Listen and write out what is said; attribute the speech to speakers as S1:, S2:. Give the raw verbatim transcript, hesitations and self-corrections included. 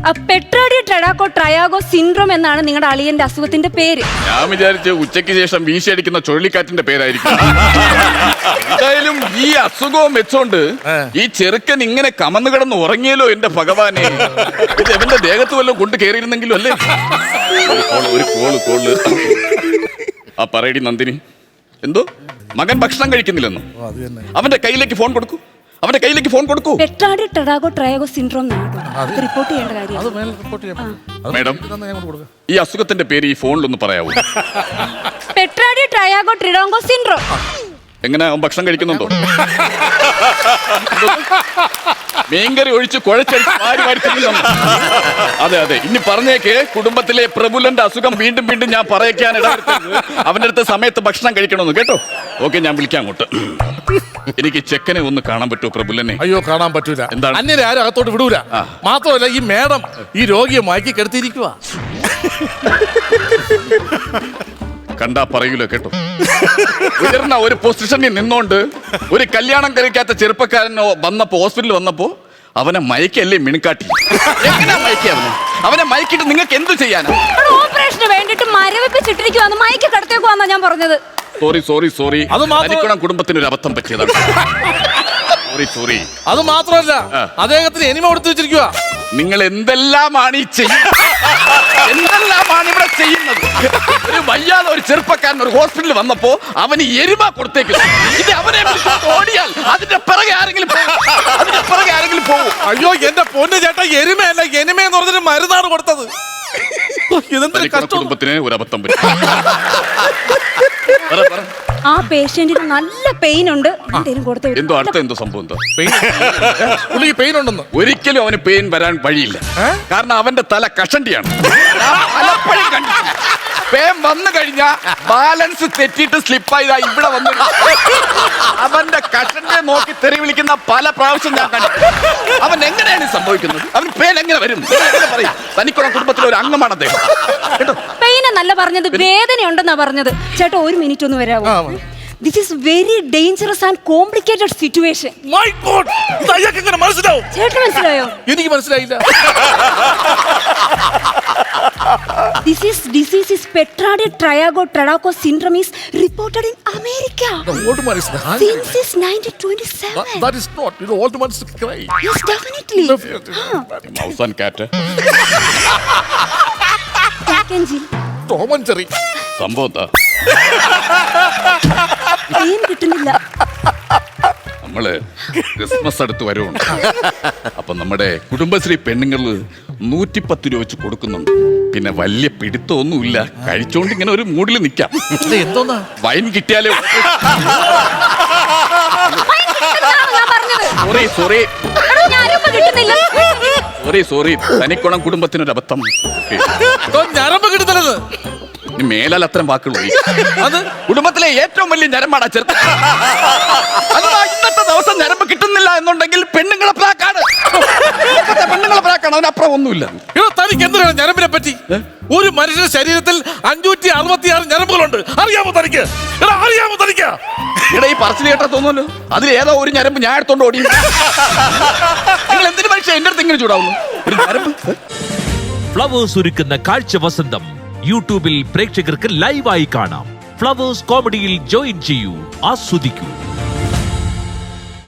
S1: പെട്രോഡിയോ ട്രെഡാക്കോ ട്രയാഗോ syndrome എന്നാണ് നിങ്ങളുടെ അളിയന്റെ അസുഖത്തിന്റെ പേര്.
S2: ഞാൻ വിചാരിച്ചു ഉച്ചയ്ക്ക് ശേഷം വീശിയടിക്കുന്ന ചുഴലിക്കാറ്റിന്റെ പേരായിരിക്കും. എന്തായാലും ഈ അസുഖവും വെച്ചോണ്ട് ഈ ചെറുക്കൻ ഇങ്ങനെ കമന്നു കിടന്ന് ഉറങ്ങിയല്ലോ എന്റെ ഭഗവാനെ. ഇത് എവന്റെ ദേഹത്ത് വല്ലതും കൊണ്ട് കയറിയിരുന്നെങ്കിലും അല്ലേ. ഒരു കോള് കോള് ആ പറയടി നന്ദിനി. എന്തോ മകൻ ഭക്ഷണം കഴിക്കുന്നില്ലെന്നോ? അവന്റെ കയ്യിലേക്ക് ഫോൺ കൊടുക്കൂ, അവന്റെ കയ്യിലേക്ക് ഫോൺ കൊടുക്കൂ.
S1: പെട്രോഡിയോ ട്രെഡാക്കോ ട്രയാഗോ സിൻഡ്രോം റിപ്പോർട്ട് ചെയ്യേണ്ട കാര്യം.
S2: മേഡം, ഈ അസുഖത്തിന്റെ പേര് ഈ ഫോണിലൊന്ന് പറയാവൂ?
S1: പെട്രോഡിയോ ട്രയാഗോ ട്രിഡോങ്കോ സിൻഡ്രോം.
S2: എങ്ങനെ അവൻ ഭക്ഷണം കഴിക്കുന്നുണ്ടോ? മീൻകറി ഒഴിച്ച് കുഴച്ചടിച്ച് വാരി വാരി തിന്നുന്നു. അതെ അതെ, ഇനി പറഞ്ഞേക്ക് കുടുംബത്തിലെ പ്രബുലന്റെ അസുഖം വീണ്ടും വീണ്ടും ഞാൻ പറയിക്കാൻ ഇടവരുത്തരുത്. അവന്റെ അടുത്ത് സമയത്ത് ഭക്ഷണം കഴിക്കണമെന്ന് കേട്ടോ. ഓക്കെ, ഞാൻ വിളിക്കാം അങ്ങോട്ട്. എനിക്ക് ചെക്കനെ ഒന്ന് കാണാൻ പറ്റുമോ പ്രബുലനെ?
S3: അയ്യോ, കാണാൻ പറ്റൂല.
S2: എന്താണ്?
S3: അന്യരെ ആരും അകത്തോട്ട് വിടൂല. മാത്രമല്ല ഈ മേഡം ഈ രോഗിയെ മയക്കി കിടത്തിയിരിക്കുക.
S2: കണ്ടാ പറയൂലോ കേട്ടോ. ഉയർന്ന ഒരു പൊസിഷനിൽ നിന്നോണ്ട് ഒരു കല്യാണം കഴിക്കാത്ത ചെറുപ്പക്കാരനോ വന്നപ്പോ ഹോസ്പിറ്റലിൽ വന്നപ്പോ അവനെ മയക്കല്ലേ മിണുക്കാട്ടി. എങ്ങനെയാ മയക്കി അവനെ? അവനെ മയക്കിട്ട് നിങ്ങൾക്ക് എന്ത് ചെയ്യാനാ?
S1: ഓപ്പറേഷന് വേണ്ടിട്ട് മരവിപ്പിച്ചിട്ടിരിക്കുവാന്ന് മയക്കി കിടത്തേക്കുവാന്നാ ഞാൻ പറഞ്ഞത്.
S2: സോറി സോറി സോറി, അത് കുടുംബത്തിന് ഒരു അബദ്ധം പറ്റിയതാണ്. Sorry sorry.
S3: അത് മാത്രമല്ല അദ്ദേഹത്തിന് എനിമ കൊടുത്തു വെച്ചിരിക്കുക.
S2: നിങ്ങൾ എന്തെല്ലാമാണ് ഈ ചെയ്യുന്നത്? എന്തെല്ലാമാണ് ഇവിടെ ചെയ്യുന്നത്? ഒരു വയ്യാതെ ഒരു ചെറുപ്പക്കാരൻ ഒരു ഹോസ്പിറ്റലിൽ വന്നപ്പോ അവന് എരുമ കൊടുത്തേക്കില്ല. ഇത് അവനെ ഓടിയാൽ അതിന്റെ പിറകെ ആരെങ്കിലും അതിന്റെ പിറകെ ആരെങ്കിലും പോകും.
S3: അയ്യോ എന്റെ പൊന്നു ചേട്ടാ, എരുമയല്ല എനിമ എന്ന് പറഞ്ഞിട്ട് മരുന്നാണ് കൊടുത്തത്.
S2: കുടുംബത്തിന് ഒരു അബദ്ധം പറ്റി.
S1: ആ പേഷ്യന്റിന് നല്ല പെയിൻ ഉണ്ട്.
S2: എന്തോ അടുത്ത എന്തോ സംഭവം എന്തോ
S3: പെയിൻ ഉണ്ടെന്ന്.
S2: ഒരിക്കലും അവന് പെയിൻ വരാൻ വഴിയില്ല. കാരണം അവന്റെ തല കഷണ്ടിയാണ്. പേൻ വന്നു കഴിഞ്ഞാ ബാലൻസ് തെറ്റിയിട്ട് സ്ലിപ്പായതാ ഇവിടെ വന്നു. അവന്റെ കഷന്റെ നോക്കി തെറി വിളിക്കുന്ന പല പ്രാവശ്യം ഞാൻ കണ്ടു. അവൻ എങ്ങനെയാണ് സംഭവിക്കുന്നത്? അവൻ പേൻ എങ്ങനെ വരും? പറയും. തനിക്കുള്ള കുടുംബത്തിലെ ഒരു അംഗമാണ് അദ്ദേഹം കേട്ടോ.
S1: പെയിൻ എന്നല്ല പറഞ്ഞത്, വേദന ഉണ്ടെന്നാ പറഞ്ഞത്. ചേട്ടാ ഒരു മിനിറ്റ് ഒന്ന് വരാമോ? This is very dangerous and complicated situation.
S3: My God! ഇതയ്യക്ക് എങ്ങനെ മനസ്സിലാവും?
S1: ചേട്ടന് മനസ്സിലായോ?
S3: എനിക്ക് മനസ്സിലായില്ല.
S1: This is disease is Petrodiyo Triago Tradaco syndrome is reported in America.
S3: The old man is dying.
S1: Since is nineteen twenty-seven.
S3: That, that is not. You know, old man is crying.
S1: Yes, definitely.
S2: Mouse and cat.
S1: Jack and Jill.
S3: Tom and Jerry.
S2: സംഭവം എന്താ?
S1: Pain കിട്ടുന്നില്ല.
S2: നമ്മള് Christmas അടുത്ത് വരുവുണ്ട്. അപ്പൊ നമ്മുടെ കുടുംബശ്രീ പെണ്ണുങ്ങള് നൂറ്റിപ്പത്ത് രൂപ വെച്ച് കൊടുക്കുന്നുണ്ട്. പിന്നെ വലിയ പിടുത്തമൊന്നുമില്ല, കഴിച്ചോണ്ട് ഇങ്ങനെ ഒരു മൂഡിൽ നിക്കാം.
S3: എന്തോന്നാ
S2: വൈൻ കിട്ടിയാലേ. സോറി സോറി സോറി സോറി തനിക്കുണം കുടുംബത്തിനൊരു അബദ്ധം.
S3: ഞരമ്പ് കിട്ടുന്നത്
S2: മേലാൽ അത്തരം വാക്കുകൾ അത് കുടുംബത്തിലെ ഏറ്റവും വലിയ ഞരമ്പാണ് ചെറുപ്പം. അഥവാ ഇന്നത്തെ ദിവസം ഞരമ്പ് കിട്ടുന്നില്ല എന്നുണ്ടെങ്കിൽ പെണ്ണുങ്ങളെ പ്രാക്കാണ്. പെണ്ണുങ്ങളെ പ്രാക്കാണ്, അതിനപ്പുറം ഒന്നുമില്ല.
S3: തനിക്ക് എന്തിനാണ് ഞരമ്പിനെ പറ്റി? ഒരു മനുഷ്യന്റെ ശരീരത്തിൽ അഞ്ഞൂറ്റി അറുപത്തി ആറ് ഞരമ്പുകളുണ്ട്. അറിയാമോ തനിക്ക്? അറിയാമോ തനിക്ക്?
S2: ഇവിടെ ഈ പറച്ചിൽ കേട്ടാ തോന്നുമല്ലോ അതിൽ ഏതോ ഒരു ഞരമ്പ് ഞാൻ എടുത്തോണ്ട് ഓടി. നിങ്ങൾ എന്തിനു മനുഷ്യ എന്റെ അടുത്ത് ഇങ്ങനെ ചൂടാവുന്നു? ഒരു ഞരമ്പ്.
S4: ഫ്ലവേഴ്സ് ഒരുക്കുന്ന കാഴ്ച വസന്തം യൂട്യൂബിൽ പ്രേക്ഷകർക്ക് ലൈവായി കാണാം. ഫ്ലവേഴ്സ് കോമഡിയിൽ ജോയിൻ ചെയ്യൂ, ആസ്വദിക്കൂ.